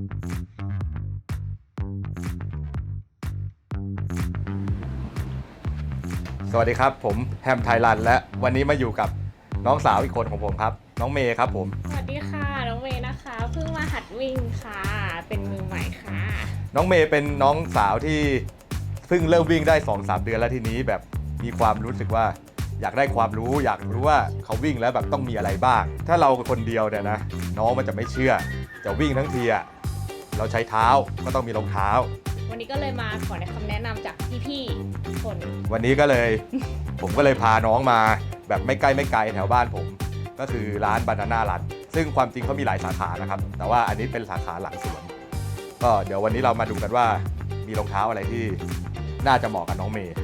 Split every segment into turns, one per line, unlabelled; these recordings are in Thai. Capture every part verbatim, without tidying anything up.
สวัสดีครับผมแฮมไทยรันและวันนี้มาอยู่กับน้องสาวอีกคนของผมครับน้องเมย์ครับผม
สวัสดีค่ะน้องเมย์นะคะเพิ่งมาหัดวิ่งค่ะเป็นมือใหม่ค่ะ
น้องเมย์เป็นน้องสาวที่เพิ่งเริ่มวิ่งได้ สองถึงสาม เดือนแล้วทีนี้แบบมีความรู้สึกว่าอยากได้ความรู้อยากรู้ว่าเขาวิ่งแล้วแบบต้องมีอะไรบ้างถ้าเราคนเดียวเนี่ยนะน้องมันจะไม่เชื่อจะวิ่งทั้งทีอะเราใช้เท้าก็ต้องมีรองเท้า
วันนี้ก็เลยมาขอคำแนะนำจากพี่ๆทุกคน
วันนี้ก็เลย ผมก็เลยพาน้องมาแบบไม่ใกล้ไม่ไกลแถวบ้านผมก็คือร้าน Banana Run ซึ่งความจริงเขามีหลายสาขานะครับแต่ว่าอันนี้เป็นสาขาหลังสวนก็เดี๋ยววันนี้เรามาดูกันว่ามีรองเท้าอะไรที่น่าจะเหมาะกับน้องเมย์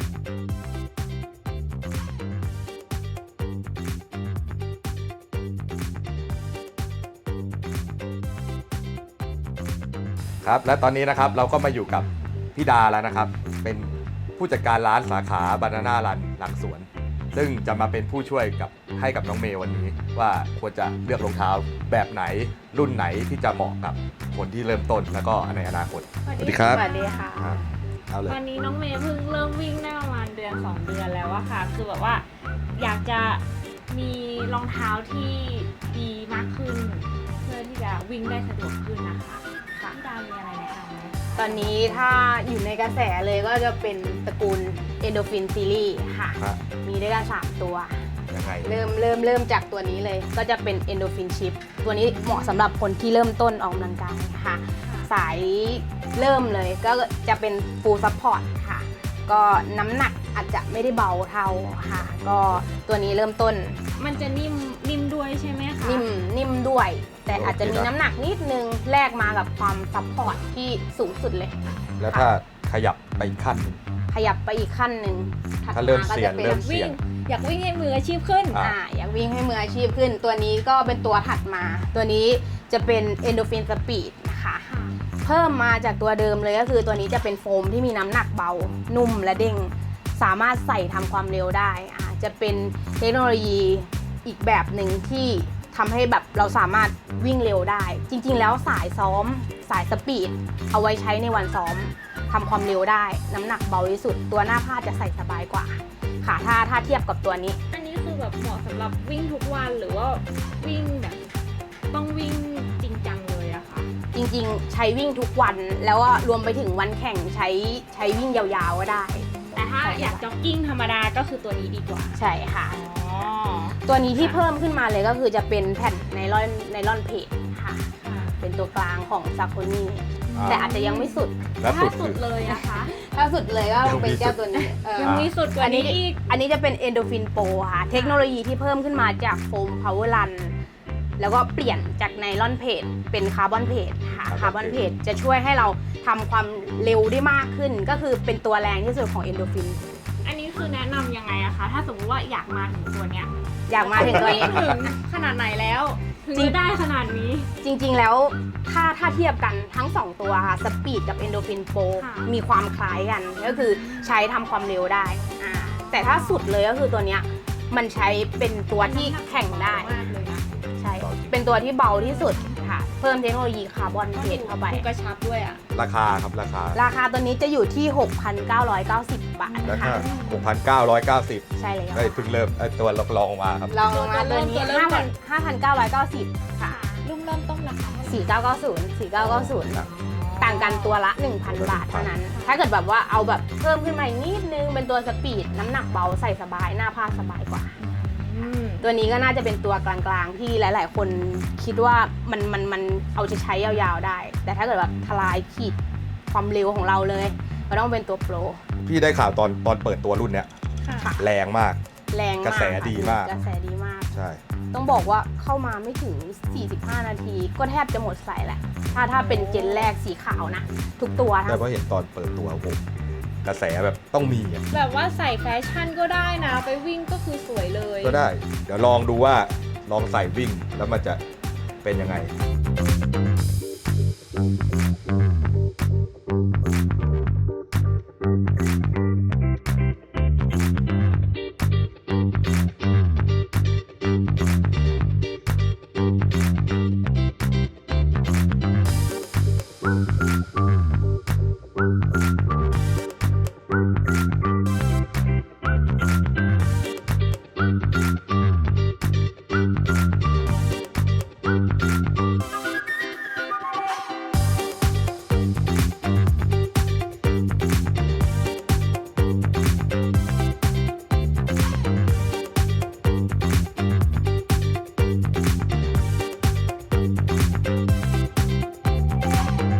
ครับและตอนนี้นะครับเราก็มาอยู่กับพี่ดาแล้วนะครับเป็นผู้จัดการร้านสาขา Banana Run หลังสวนซึ่งจะมาเป็นผู้ช่วยกับให้กับน้องเมย์วันนี้ว่าควรจะเลือกรองเท้าแบบไหนรุ่นไหนที่จะเหมาะกับคนที่เริ่มต้นแล้วก็ในอนาคต
สวัสดีครับ
ส
วัสดีค่ะ
เอาเลย
วันนี้น้องเมย์เพิ่งเริ่มวิ่งได้ประมาณเดือนสองเดือนแล้วอะค่ะคือแบบว่าอยากจะมีรองเท้าที่ดีมากขึ้นเพื่อที่จะวิ่งได้สะดวกขึ้นนะคะค่ะพี่ดามีอะไรแนะนำไหม
ตอนนี้ถ้าอยู่ในกระแสเลยก็จะเป็นตระกูล Endorphin Series ค่ะมีด้วยกันสามตัว
ยังไง
เริ่มเริ่มเริ่มจากตัวนี้เลยก็จะเป็น Endorphin Chip ตัวนี้เหมาะสำหรับคนที่เริ่มต้นออกกำลังกายค่ะสายเริ่มเลยก็จะเป็น Full Support ค่ะก็น้ำหนักอาจจะไม่ได้เบาเท่าค่ะก็ตัวนี้เริ่มต้น
มันจะนิ่มนิ่มด้วยใช่ไหมคะ
นิ่มนิ่มด้วยแต่อาจจะมีน้ำหนักนิดนึงแลกมากับความซัพพอร์ตที่สูงสุดเลย
แล้วถ้าขยับไปอีกขั้นนึง
ขยับไปอีกขั้นหนึ่ง
ถ้าเริ่มเสี่ยงเริ่มเสี่ยง
อยากวิ่งให้มืออาชีพขึ้น
อ่าอยากวิ่งให้มืออาชีพขึ้นตัวนี้ก็เป็นตัวถัดมาตัวนี้จะเป็น Endorphin Speed นะคะเพิ่มมาจากตัวเดิมเลยก็คือตัวนี้จะเป็นโฟมที่มีน้ำหนักเบานุ่มและเด้งสามารถใส่ทำความเร็วได้อ่าจะเป็นเทคโนโลยีอีกแบบหนึ่งที่ทำให้แบบเราสามารถวิ่งเร็วได้จริงๆแล้วสายซ้อมสายสปีดเอาไว้ใช้ในวันซ้อมทำความเร็วได้น้ำหนักเบาที่สุดตัวหน้าผ้าจะใส่สบายกว่าค่ะถ้าถ้าเทียบกับตัวนี้
อันนี้คือแบบเหมาะสำหรับวิ่งทุกวันหรือว่าวิ่งแบบต้องวิ่งจริงจังเลยอะค่ะ
จริงๆใช้วิ่งทุกวันแล้วก็รวมไปถึงวันแข่งใช้ใช้วิ่งยาวๆก็ได้
แต่ถ้าอยากจ็อกกิ้งธรรมดาก็คือตัวนี้ดีกว่า
ใช่ค่ะตัวนี้ที่เพิ่มขึ้นมาเลยก็คือจะเป็นแผ่นไนลอนไนลอนเพจค่ะเป็นตัวกลางของซาโคนี่แต่อาจจะยังไม่สุด
ถ้าสุดเลยนะคะ
ถ้าสุดเลยก็เป็นเจ้าตัวนี้
ยังมีสุดกว่านี้อีก
อันนี้จะเป็น Endorphin Pro ค่ะเทคโนโลยีที่เพิ่มขึ้นมาจากโฟม Power Run แล้วก็เปลี่ยนจากไนลอนเพจเป็นคาร์บอนเพจค่ะคาร์บอนเพจจะช่วยให้เราทำความเร็วได้มากขึ้นก็คือเป็นตัวแรงที่สุดของ Endorphin
อันนี้คือแนะนำยังไงอะคะถ้าสมมติว่าอยากมาถึงตัวเนี้ย
อยากมาถึงตัวนี้
ถึงขนาดไหนแล้วถึงจะได้ขนาดนี้
จริงๆแล้วถ้าถ้าเทียบกันทั้งสองตัวค่ะสปีดกับ Endorphin Pro มีความคล้ายกันก็คือใช้ทำความเร็วได้อ่าแต่ถ้าสุดเลยก็คือตัวเนี้ยมันใช้เป็นตัวที่แข่งได้ใช่เป็นตัวที่เบาที่สุดค่ะเพิ่มเทคโนโลยีคาร์บอนเพจเข้าไป
กระชับด้วยอะ
ราคาครับราคา
ราคาตัวนี้จะอยู่ที่ หกพันเก้าร้อยเก้าสิบ บาท
นะคะ หกพันเก้าร้อยเก้าสิบ
ใช่เลย
ได้เพิ่งเริ่มตัวลองมาครับ
ลองมาตัวนี้ห้าพันเก้าร้อยเก้าสิบค่ะ
รุ่นเริ่มต้นราคา
สี่พันเก้าร้อยเก้าสิบ สี่พันเก้าร้อยเก้าสิบต่างกันตัวละ หนึ่งพัน บาทเท่านั้นถ้าเกิดแบบว่าเอาแบบเพิ่มขึ้นมาอีกนิดนึงเป็นตัวสปีดน้ำหนักเบาใส่สบายหน้าผ้าสบายกว่าตัวนี้ก็น่าจะเป็นตัวกลางๆที่หลายๆคนคิดว่ามันมันมันเอาจะใช้ยาวๆได้แต่ถ้าเกิดแบบทลายขีดความเร็วของเราเลยก็ต้องเป็นตัวโปร
พี่ได้ข่าวตอนตอนเปิดตัวรุ่นเนี้ยแรงมาก
แรงมาก
กระแสดีมาก
กระแสดีมาก
ใช่
ต้องบอกว่าเข้ามาไม่ถึงสี่สิบห้านาทีก็แทบจะหมดใส่แหละถ้าถ้าเป็นเจนแรกสีขาวนะทุกตัว
แต่ว่าเห็นตอนเปิดตัวผมกระแสแบบต้องมี
แบบว่าใส่แฟชั่นก็ได้นะไปวิ่งก็คือสวยเลย
ก็ได้เดี๋ยวลองดูว่าลองใส่วิ่งแล้วมันจะเป็นยังไง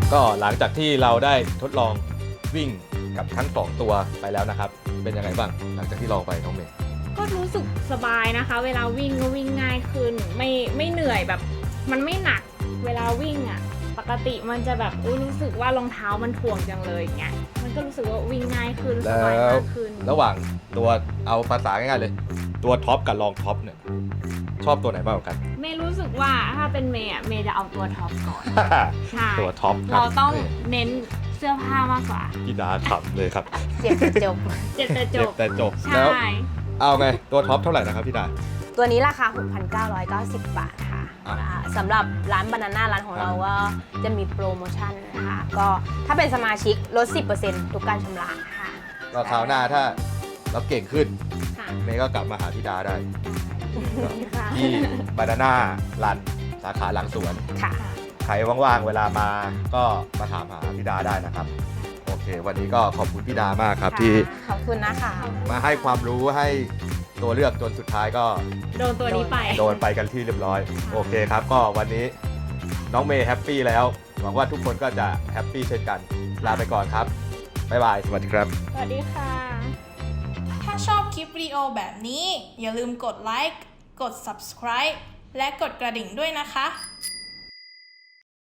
ก็หลังจากที่เราได้ทดลองวิ่งกับทั้งสองตัวไปแล้วนะครับ เป็นยังไงบ้างหลังจากที่ลองไปน้องเมย์
ก็รู้สึกสบายนะคะ เวลาวิ่งก็วิ่งง่ายขึ้น ไม่ไม่เหนื่อยแบบมันไม่หนักเวลาวิ่งอ่ะปกติมันจะแบบอุ้ยรู้สึกว่ารองเท้ามันถ่วงจังเลยอย่างเงี้ยมันก็รู้สึกว่าวิ่งง่ายขึ้นส
แล้
บายว มากขึ้น
ระหว่างตัวเอาภาษาง่ายๆเลย ตัวท็อปกับรองท็อปเนี่ยชอบตัวไหนมากกว่ากัน
เมย์รู้สึกว่าถ้าเป็นเมย์อะเมย์จะเอาตัวท็อปก่อน ใช่
ตัวท็อปคบ
เราต้อง
นี่
เน้นเสื้อผ้ามากกว่า
พี่ดาขำเลยครับ
เจ็บจะจบ
เจ็บแต่จ
เจ็บบ แต่จบ
ใช่
แล้วเอาไงตัวท็อปเท่าไหร่นะครับพี่ดา
ตัวนี้ราคา หกพันเก้าร้อยเก้าสิบ บาทค่ะ
อ่ะ
อ่าสำหรับร้านบานาน่าร้านของเราก็จะมีโปรโมชั่นนะคะ ก็ถ้าเป็นสมาชิกลด สิบเปอร์เซ็นต์ ทุกการชำระค่ะ
ก็คราวหน้าถ้าเราเก่งขึ้น
ค่ะ
เมย์ก็กลับมาหาพี่ดาได้
ค่ะ
ที่บานาน่ารันสาขาหลังสวน
ค่ะ
ใครว่างๆเวลามาก็มาถามหาพี่ดาได้นะครับ โอเค วันนี้ก็ขอบคุณพี่ดามากครับ ที่
ขอบคุณนะคะ
มาให้ความรู้ให้ตัวเลือกจนสุดท้ายก็
โดนตัวนี้ไป
โดนไปกันที่เรียบร้อย โอเคครับ ก็วันนี้น้องเมย์แฮปปี้แล้ว หวังว่าทุกคนก็จะแฮปปี้เช่นกัน ลาไปก่อนครับ บ๊ายบาย สวัสดีครับ
สวัสดีค่ะ
ถ้าชอบคลิปวิดีโอแบบนี้ อย่าลืมกดไลค์ กด ซับสไครบ์ และกดกระดิ่งด้วยนะคะ